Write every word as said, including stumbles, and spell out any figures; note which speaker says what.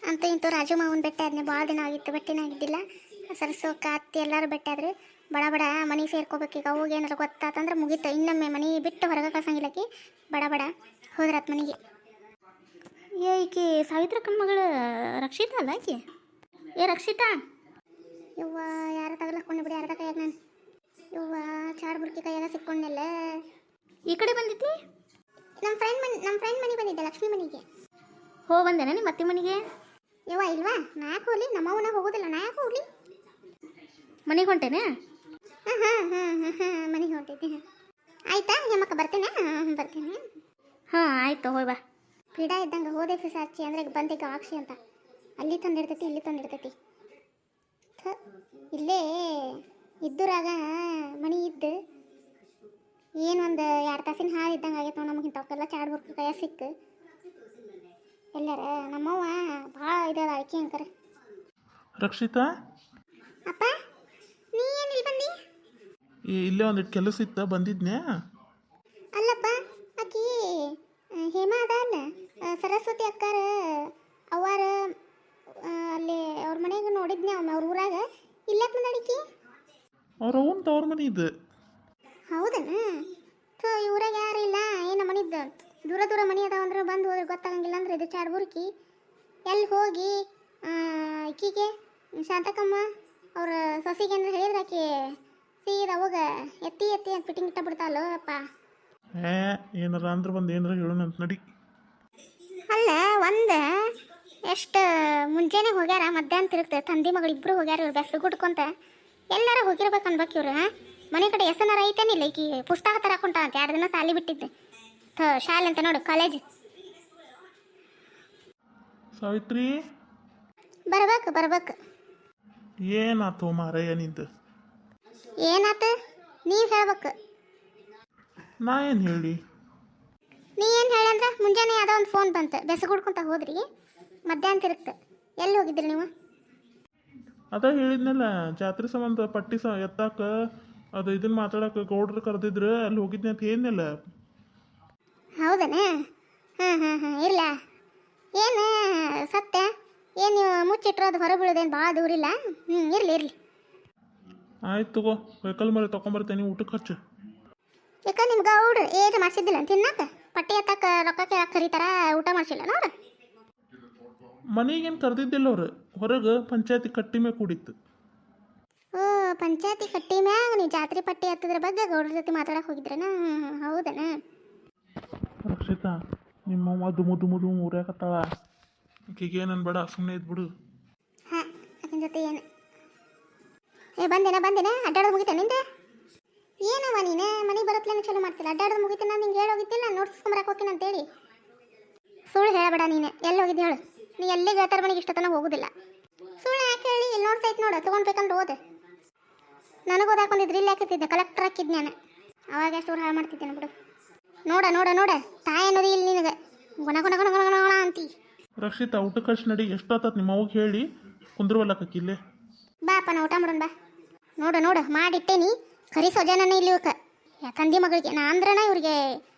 Speaker 1: ಅಂತೂ ಇಂತೂ ರಾಜು ಮಾವನ ಬೆಟ್ಟ ಆದ್ನೆ ಭಾಳ ದಿನ ಆಗಿತ್ತು, ಬೆಟ್ಟಿನ ಆಗಿದ್ದಿಲ್ಲ. ಸರಸೋಕ ಅತ್ತಿ ಎಲ್ಲರೂ ಬೆಟ್ಟಾದ್ರು. ಬಡ ಬಡ ಮನೆ ಸೇರ್ಕೋಬೇಕೀಗ. ಅವಾಗ ಏನಾರು ಗೊತ್ತಾತಂದ್ರೆ ಮುಗೀತು, ಇನ್ನೊಮ್ಮೆ ಮನೆ ಬಿಟ್ಟು ಹೊರಗೆ ಕಳ್ಸಂಗಿಲ್ಲಕಿ. ಬಡ ಬಡ ಹೋದ್ರಾತ್ ಮನೆಗೆ. ಏ ಈಕಿ ಸಾವಿತ್ರಕ್ಕನ ಮಗಳು ರಕ್ಷಿತಾ ಅಲ್ಲ ಆಕಿ? ಏ ರಕ್ಷಿತಾ, ಇವ್ವ ಯಾರ ತಗಲಕ್ಕೊಂಡು ಬಿಡಿ ಯಾರದ ಕೈಯಾಗ ನಾನು. ಇವ್ವ ಚಾಡ್ ಬುರ್ಕಿ ಕೈಯಾಗ ಸಿಕ್ಕೊಂಡೆಲ್ಲ. ಈ ಕಡೆ ಬಂದಿದ್ದಿ? ನಮ್ಮ ಫ್ರೆಂಡ್ ಮನೆ ನಮ್ಮ ಫ್ರೆಂಡ್ ಮನೆಗೆ ಬಂದಿದ್ದೆ, ಲಕ್ಷ್ಮಿ ಮನೆಗೆ. ಹೋ ಬಂದೇನ ನಿಮ್ಮ ಅತ್ತೆ ಮನೆಗೆ? ಯವ್ವ ಇಲ್ವಾ, ನಾ ಯಾಕೆ ಹೋಗ್ಲಿ, ನಮ್ಮವನ ಹೋಗೋದಿಲ್ಲ, ನಾ ಯಾಕೆ ಹೋಗ್ಲಿ? ಮನೆಗೆ ಹೊಂಟೇನೆ? ಹಾಂ ಹಾಂ ಹಾಂ ಹಾಂ ಹಾಂ ಮನೆಗೆ ಹೊಂಟಿದ್ದೆ. ಆಯ್ತಾ ಹೆಮ್ಮಕ್ಕ, ಬರ್ತೇನೆ? ಹಾಂ ಬರ್ತೇನೆ. ಹಾಂ ಆಯ್ತು, ಹೋಯ್ ಬಾ. ಪೀಡ ಇದ್ದಂಗೆ ಹೋದೆ ಫಿಸಾಚಿ ಅಂದರೆ ಬಂದೀಗ ಆಕ್ಷಿ ಅಂತ. ಅಲ್ಲಿ ತಂದಿರ್ತೈತಿ, ಇಲ್ಲಿ ತಂದಿರ್ತೈತಿ. ಥ ಇಲ್ಲೇ ಇದ್ದೂರಾಗ ಮನೆ ಇದ್ದು ಏನು ಒಂದು ಎರಡು ತಾಸಿನ ಹಾಲು ಇದ್ದಂಗೆ ಆಗೈತೆ ನಾವು. ನಮಗೆ ಇಂಥವಕ್ಕೆಲ್ಲ ಚಾಡ್ ಬುರ್ಕ ಕೈಯ ಸಿಕ್ಕು ಎಲ್ಲಾರ. ನಮ್ಮವ್ವ ಭಾಳ ಇದಾದ ಅಳಿಕೆ ಅಂಕರ.
Speaker 2: ರಕ್ಷಿತಾ,
Speaker 1: ಅಪ್ಪ ನೀ ಏನು ಇಲ್ಲಿ ಬಂದಿ?
Speaker 2: ಇಲ್ಲೇ ಒಂದಿಟ್ಟು ಕೆಲಸ ಇತ್ತ, ಬಂದಿದ್ನ್ಯಾ?
Speaker 1: ಅಲ್ಲಪ್ಪ, ಆಕಿ ಹೇಮಾ ಅದ ಅಲ್ಲ, ಸರಸ್ವತಿ ಅಕ್ಕಾರ ಅವಾರ ಅಲ್ಲಿ ಅವ್ರ ಮನೆಗೆ ನೋಡಿದ್ನೆ, ಅವ್ರ ಊರಾಗ. ಇಲ್ಲಕ್ಕೆ ಬಂದಡಿಕಿ?
Speaker 2: ಅವ್ರ ಅವನ್ ತವ್ರ ಮನೆ ಇದು.
Speaker 1: ಹೌದನ? ಸೊ ಈ ಊರಾಗ ಯಾರು ಇಲ್ಲ ಏನು ಮನಿದ್ದು? ದೂರ ದೂರ ಮನೆ ಅದಾವ ಅಂದ್ರೆ ಬಂದು ಹೋದ್ರೆ ಗೊತ್ತಾಗಂಗಿಲ್ಲ ಅಂದ್ರೆ ಇದು ಚಾಡ್ ಬುರ್ಕಿ ಎಲ್ಲಿ ಹೋಗಿ ಆಕಿಗೆ ಶಾಂತಕಮ್ಮ ಅವ್ರ ಸೊಸಿಗೆ ಅಂದ್ರೆ ಹೇಳಿದ್ರೆ ಆಕಿ ಸೀದಾ ಅವಾಗ ಎತ್ತಿ ಎತ್ತಿ ಅಂತ ಫಿಟ್ಟಿಂಗ್ ಇಟ್ಟ ಬಿಡ್ತಾಳೋ ಅಪ್ಪ.
Speaker 2: ಏ ಏನಾರ ಅಂದ್ರೆ ಬಂದು ಏನಾರ ಹೇಳೋಣ ಅಂತ ನಡಿ.
Speaker 1: ಅಲ್ಲ ಒಂದು ಎಷ್ಟು ಮುಂಜಾನೆ ಹೋಗ್ಯಾರ, ಮಧ್ಯಾಹ್ನ ತಿರುಗ್ತದೆ. ತಂದಿ ಮಗಳು ಇಬ್ಬರು ಹೋಗ್ಯಾರ, ಇವ್ರು ಬೆಸ್ಲು ಗುಡ್ಕೊಂತ ಎಲ್ಲಾರ ಹೋಗಿರ್ಬೇಕು ಅನ್ಬೇಕು ಇವ್ರು. ಮನೆ ಕಡೆ ಎಸನಾರ ಐತೇನಿಲ್ಲ, ಈಕಿ ಪುಸ್ತಕ ತರಕೊಂಟ ಅಂತ ಎರಡು ದಿನ ಸಾಲಿ ಬಿಟ್ಟಿದ್ದೆ. ಥ ಶಾಲೆ ಅಂತ ನೋಡು, ಕಾಲೇಜ್.
Speaker 2: ಸಾವಿತ್ರಿ
Speaker 1: ಬರ್ಬೇಕು ಬರ್ಬೇಕು.
Speaker 2: ಏನಾತು ಮಾರಯ್ಯ ನಿಂದು?
Speaker 1: ಏನಾತ ನೀವು ಹೇಳ್ಬೇಕು.
Speaker 2: ನಾ ಏನು ಹೇಳಿ?
Speaker 1: ನೀ ಏನು ಹೇಳಿ ಅಂದ್ರೆ ಮುಂಜಾನೆ ಯಾವುದೋ ಒಂದು ಫೋನ್ ಬಂತು, ಬೆಸಗುಡ್ಕೊಂತ ಹೋದ್ರಿ, ಮಧ್ಯಾಹ್ನ ತಿರುಗ್ತ. ಎಲ್ಲಿ ಹೋಗಿದ್ರಿ ನೀವು?
Speaker 2: ಅದ ಹೇಳಿದ್ನಲ್ಲ, ಜಾತ್ರೆ ಸಂಬಂಧ ಪಟ್ಟಿ ಸ ಎತ್ತಾಕ ಅದು ಇದನ್ನ ಮಾತಾಡಕ್ಕೆ ಗೌಡ್ರು ಕರೆದಿದ್ರು, ಅಲ್ಲಿ ಹೋಗಿದ್ನಿ ಅಂತ ಹೇಳಿದ್ನಲ್ಲ.
Speaker 1: ಹೌದನ? ಹಾಂ ಹಾಂ ಹಾಂ ಇಲ್ಲ ಏನು ಸತ್ಯ ಏನು ನೀವು ಮುಚ್ಚಿಟ್ರೋದು ಹೊರ ಬೀಳೋದೇನು ಭಾಳ ದೂರ ಇಲ್ಲ. ಹ್ಞೂ ಇರಲಿ ಇರಲಿ.
Speaker 2: ಆಯ್ತು ತಗೋ, ವೆಹಿಕಲ್ ಮರೆ ತೊಗೊಂಬರ್ತೇನೆ, ಊಟಕ್ಕೆ ಖರ್ಚು.
Speaker 1: ಯಾಕೆ ನಿಮ್ಗೆ ಗೌಡ್ರು ಏನು ಮಾಡಿಸಿದ್ದಿಲ್ಲ ತಿನ್ನಕ್ಕೆ? ಪಟ್ಟಿ ಎತ್ತಕ್ಕ ರೊಕ್ಕ ಕೇಳಕ್ಕೆ ಕರೀತಾರ, ಊಟ ಮಾಡಿಸಿಲ್ಲ ನೋಡು.
Speaker 2: ಮನೆಗೇನು ಕರೆದಿದ್ದಿಲ್ಲ ಅವ್ರು, ಹೊರಗೆ ಪಂಚಾಯತಿ ಕಟ್ಟಿ ಮೇಲೆ ಕೂಡಿತ್ತು.
Speaker 1: ಓ ಪಂಚಾಯತಿ ಕಟ್ಟಿ ಮ್ಯಾಗ ನೀವು ಜಾತ್ರೆ ಪಟ್ಟಿ ಹತ್ತದ್ರ ಬಗ್ಗೆ ಗೌಡ್ರ ಜೊತೆ ಮಾತಾಡಕ್ಕೆ ಹೋಗಿದ್ರನ? ಹೌದನ?
Speaker 2: ರಕ್ಷಿತಾ, ನಿಮ್ಮವ್ವ ದುಮು ದುಮು ದುಮು ಊರ್ಯಾಕತ್ತಾಳ, ಆಕೆಗೆ ಏನು ಅನ್ಬೇಡ, ಸುಮ್ಮನೆ ಇದ್ಬಿಡು.
Speaker 1: ಹಾಂ ಆಕಿನ ಜೊತೆ ಏನು? ಏ ಬಂದೇನ ಬಂದೇನ ಅಡ್ಡಾಡೋದು ಮುಗಿತ ನಿಂದ? ಏನವ ನೀನು ಮನೆಗೆ ಬರೋತ್ಲೇನು ಚಲೋ ಮಾಡ್ತಿಲ್ಲ, ಅಡ್ಡಾಡೋದು ಮುಗಿತ. ನಾನು ನಿಂಗೆ ಹೇಳಿ ಹೋಗಿದ್ದಿಲ್ಲ ನೋಡ್ಸ್ಕೊಂಬರಕ್ಕೆ ಹೋಗ್ತೀನಿ ಅಂತೇಳಿ. ಸುಳ್ಳು ಹೇಳಬೇಡ ನೀನು. ಎಲ್ಲಿ ಹೋಗಿದ್ದು ಹೇಳು? ನೀ ಎಲ್ಲಿ ಗೆಳತರ ಮನೆಗೆ ಇಷ್ಟ ತನಕ ಹೋಗೋದಿಲ್ಲ. ಸುಳ್ಳು ಯಾಕೆ ಹೇಳಿ? ಇಲ್ಲಿ ನೋಡ್ತೈತೆ ನೋಡು, ತೊಗೊಂಡ್ಬೇಕಂದ್ರೆ ಓದೆ. ನನಗೆ ಓದಾಕೊಂಡಿದ್ರೆ ಇಲ್ಲಿ ಹಾಕಿದ್ದೆ, ಕಲೆಕ್ಟರ್ ಹಾಕಿದ್ ನಾನು. ಅವಾಗ ಎಷ್ಟು ಹಾಳು ಮಾಡ್ತಿದ್ದೇನೆ ಬಿಡು. ನೋಡ ನೋಡ ನೋಡ ತಾಯಿ ಅನ್ನೋದು ಇಲ್ಲಿ ನಿನಗೆ ಗುಣ ಗುಣ ಗುಣ ಗುಣ ಗುಣ ಅಂತಿ.
Speaker 2: ರಕ್ಷಿತಾ, ಊಟ ಖರ್ಚು ನಡಿ. ಎಷ್ಟೊತ್ತ ನಿಮ್ಮ ಅವ್ಗೆ ಹೇಳಿ ಕುಂದ್ರವಲ್ಲ ಕಕ್ಕಿಲ್ಲೇ.
Speaker 1: ಬಾಪ ನಾ ಊಟ ಮಾಡೋಣ ಬಾ. ನೋಡು ನೋಡು ಮಾಡಿಟ್ಟೇನಿ, ಕರಿ ಸೊಜಾನೇ ಇಲ್ಲಿ ಇವಕ್ಕೆ ತಂದಿ ಮಗಳಿಗೆ. ನಾ ಅಂದ್ರನ ಇವ್ರಿಗೆ